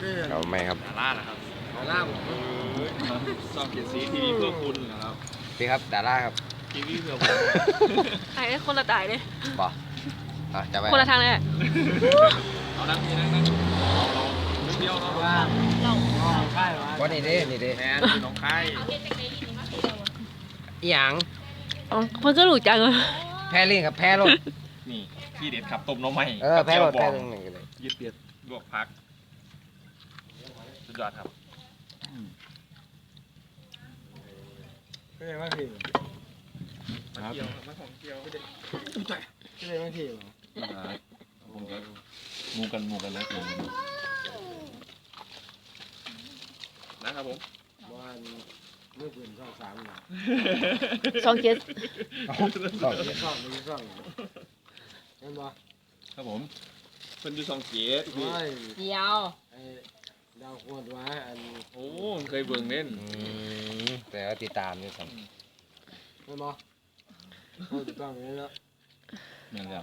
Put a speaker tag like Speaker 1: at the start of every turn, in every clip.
Speaker 1: เราไม่ครับ
Speaker 2: ดารานะครับ
Speaker 3: ดาราผม
Speaker 2: ซองเขียนสีทีวีเพื่อคุณนะครับ
Speaker 1: พี่ครับดาราครับ
Speaker 2: ทีวีเพื่อผม
Speaker 4: ไอ้คนละตายเลย
Speaker 1: บอจะไป
Speaker 4: คนละทางเลย
Speaker 2: เอานั่งนี่นั่งเราเดียวเรา
Speaker 3: ว่า
Speaker 4: เรา
Speaker 3: ค่ายวะ
Speaker 1: วันนี้ดินี่ดิ
Speaker 2: แมนน้องไข่
Speaker 1: อีหยัง
Speaker 4: อ๋อมันก็หลุดจังเลย
Speaker 1: แพ้ลิงครับแพ้รถ
Speaker 2: นี่ที่เด็ดขับต้มน้องใหม่
Speaker 1: แพ้รถแพ้ลิงนี่เลย
Speaker 2: ยืดเปียดลวกพักสุดยอดครับ
Speaker 3: ก็เลยว่าพี่
Speaker 2: มาเที่ยวมาท่องเที่ยวไม่ได้
Speaker 3: ก็เลยว่าพี่
Speaker 5: ผมก็มูกันแล้ว
Speaker 2: นะครับผม
Speaker 3: วันมือปืนช่อง3นะ
Speaker 4: สองเจ็ด
Speaker 3: ไม่ช่องไม่ช่องเห็นปะ
Speaker 5: ครับผม
Speaker 2: เพิ่นอยู่ซองเกียร์
Speaker 3: โอ้ย
Speaker 4: เดียว
Speaker 3: ไอ้ดาวขวดวะอัน
Speaker 2: โอ้เคยเบิ่งเล่น
Speaker 1: แต่ว่าติดตามนี่ครับ
Speaker 3: เห็นปะเขาจะต้องอย่างนี้แล้ว
Speaker 5: แม่นแล้ว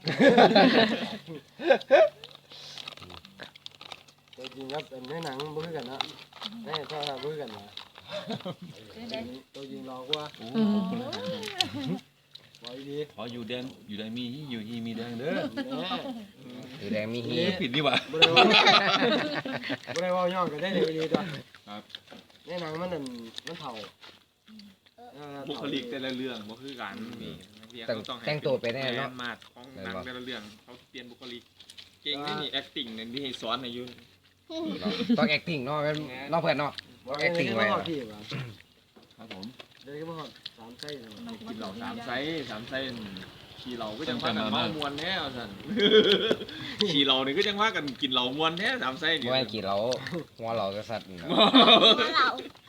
Speaker 3: ตัวจริงครับเป็นในหนังบ่คือกันนะในโทรศัพท์บ่คือกันนะตัวจริงรอกว่า
Speaker 5: โอ้ขอบคุณเลยครับ
Speaker 3: บอกดี
Speaker 5: ขออยู่แดงอยู่แดงมีอยู่ฮีมีแดงเด้อ
Speaker 3: แน่
Speaker 1: หรือแดงมีฮี
Speaker 5: ผิดนี่หว่า
Speaker 3: บ่ได้ว่าบ่ได้ว่าย่องกันได้เลยดีตัว
Speaker 5: ครับ
Speaker 3: ในหนังมันนั่นมันเฒ่า
Speaker 2: บุคลิกแต่ละเรื่องบ่คือกันนี่เขาต้องให้
Speaker 1: แต่งตัวไปแน่เนาะ
Speaker 2: มาดของหนังแต่ละเรื่องเขาเปลี่ยนบุคลิกเก่งนี่ acting นั่นที่ให้สอนให้ยุ่น
Speaker 1: ต้อง acting เนาะเนาะเพื่อนเนาะ acting ไว้
Speaker 3: ไว้พี่ว่ะ
Speaker 5: ครับผม
Speaker 3: เดี๋ยวก็มาฮอด3ไส้นะ
Speaker 2: กินเหล่าสามไซส์ขี่เหล่าก็จังว่ากันเมามวนแน่สั่นขี่เหล่านี่ก็จังว่ากันกินเหล่ามวนแน่สามไซส์นี่
Speaker 1: เมื่อกี้เราหัวเราจะสัตว์นะ
Speaker 4: เรา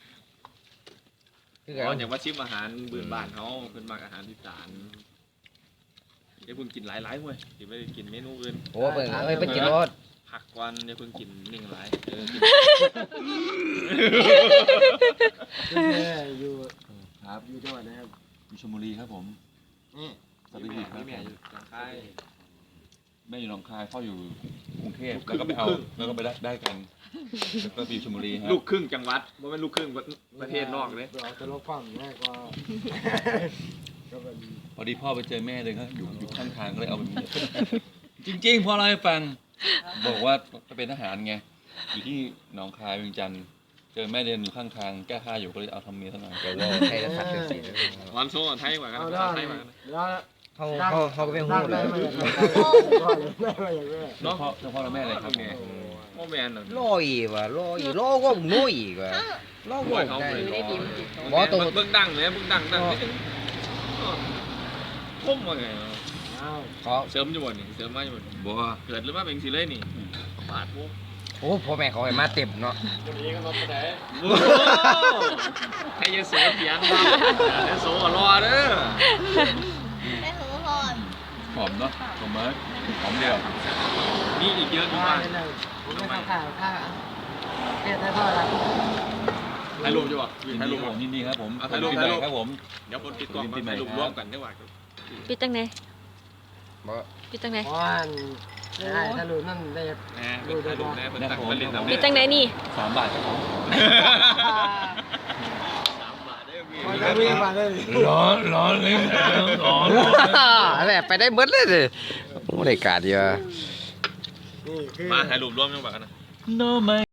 Speaker 1: คือ
Speaker 2: อ๋อ
Speaker 1: กัน
Speaker 2: อย่างว่าชิมอาหารพื้นบ้านเขาเป็นมากอาหารอีสานเดี๋ยวเพิ่งกินหลายๆเว้ยสิไปกินเมนูอื่น
Speaker 1: โอ้เปิดเป็นกินรถ
Speaker 2: ผักก่อนเดี๋ยวเพิ่งกินนิ่งหลายกิน
Speaker 3: คุณแม่อยู่
Speaker 5: ครับ
Speaker 3: อยู่จังหวัดไหนครับ
Speaker 5: อยู่ชลบุรีครับผม
Speaker 3: นี่
Speaker 5: สวัสดีครับ
Speaker 2: แม่อยู่ทางค่าย
Speaker 5: แม่อยู่หนองคายพ่ออยู่กรุงเทพแล้วก็ไปเอาแล้วก็ไปได้กันแล้วก็ไปอยู่ชลบุรีครับ
Speaker 2: ลูกครึ่งจังหวัดบ่แม่นลูกครึ่งประเทศนอกเลย
Speaker 3: เอาตลกฟังง่ายกว่าก็เป็น
Speaker 5: พอดีพ่อไปเจอแม่เลยครับอยู่ข้างทางก็เลยเอาแบบนี้จริงๆพ่อเล่าให้ฟังบอกว่าจะเป็นทหารไงอยู่ที่หนองคายเวียงจันทร์เจอแม่เดินอยู่ข้างทางแก้ผ้าอยู่ก็เลยเอาทำเมียซะหน่อย
Speaker 1: เดี๋ยวเราใช้สัตว์เป็นสี
Speaker 2: วันโซ่ไทยกว่ากัน
Speaker 3: เอา
Speaker 2: ภา
Speaker 3: ได้
Speaker 2: ษาไทยกว่ากัน
Speaker 3: แล้ว
Speaker 1: เขาก็เป็นหูเล
Speaker 3: ได้
Speaker 1: ย
Speaker 3: มาอย่างนี้
Speaker 5: เจ้าพ่อและแม่เลยครับผม
Speaker 2: โมแมน
Speaker 1: โลอีกว่ะโลอีกโลก็มึงโลอีกว่ะโลก็
Speaker 2: เขา
Speaker 1: ได้
Speaker 2: เลย
Speaker 1: บอตัว
Speaker 2: เบิ่งดังเลยเบิ่งดังนิดนึงคมว่าไง
Speaker 1: ขอ
Speaker 2: เสริมอยู่บ่นี่เสริมมาอยู่บ่
Speaker 5: บอกว่า
Speaker 2: เกิดหรือว่าเป็นสิเลยนี่บาดปุ๊บ
Speaker 1: โอ้พ่อแม่เขาให้มาเต็มเนาะ
Speaker 2: วันนี้ก็รถไปไหนให้ยโสเถียงเรายโสรอเด้อ
Speaker 4: ได้หัวหอน
Speaker 5: หอมเนาะหอมไหมหอมเดียว
Speaker 2: นี่อีกเยอะดีมาก
Speaker 3: ผมไม่ข้าวข้าวเฮ็ดให้พ่อละ
Speaker 2: ถ่ายรูปอยู่บ่
Speaker 5: ยิน
Speaker 2: ถ่าย
Speaker 5: ดี
Speaker 2: รูป
Speaker 5: ผมยินดีครับผม
Speaker 2: เอาถ่ายรูป
Speaker 5: ปี
Speaker 2: ถ่าย
Speaker 5: ให
Speaker 2: รู
Speaker 5: ม่
Speaker 2: ป
Speaker 5: ครับผม
Speaker 2: เดี๋ยวคนติดกล้องมาถ่ายรูปร่วมกันได้ว่า
Speaker 4: ปิดตั้งไหน
Speaker 1: บ่
Speaker 4: ปิดตั้งไหน
Speaker 3: เพราะว่าได้ถ้ารู้นั่นได้
Speaker 2: แหมเป็นถ่ายรูปแน่เป็นตักเป็นเล่น
Speaker 4: ปิดตั้งไหนนี่
Speaker 5: 3 บาทครับผม
Speaker 2: 3 บาทได้มี
Speaker 3: พอจะวิ่งมาได้
Speaker 5: ร้อนเลยร้อน
Speaker 1: อะไรไปได้เบิดเลยดิโอ้ได้การเยอะ
Speaker 3: นี่คือ
Speaker 2: มาถ่ายรูปร่วมยังบ่กันนะ
Speaker 5: No, my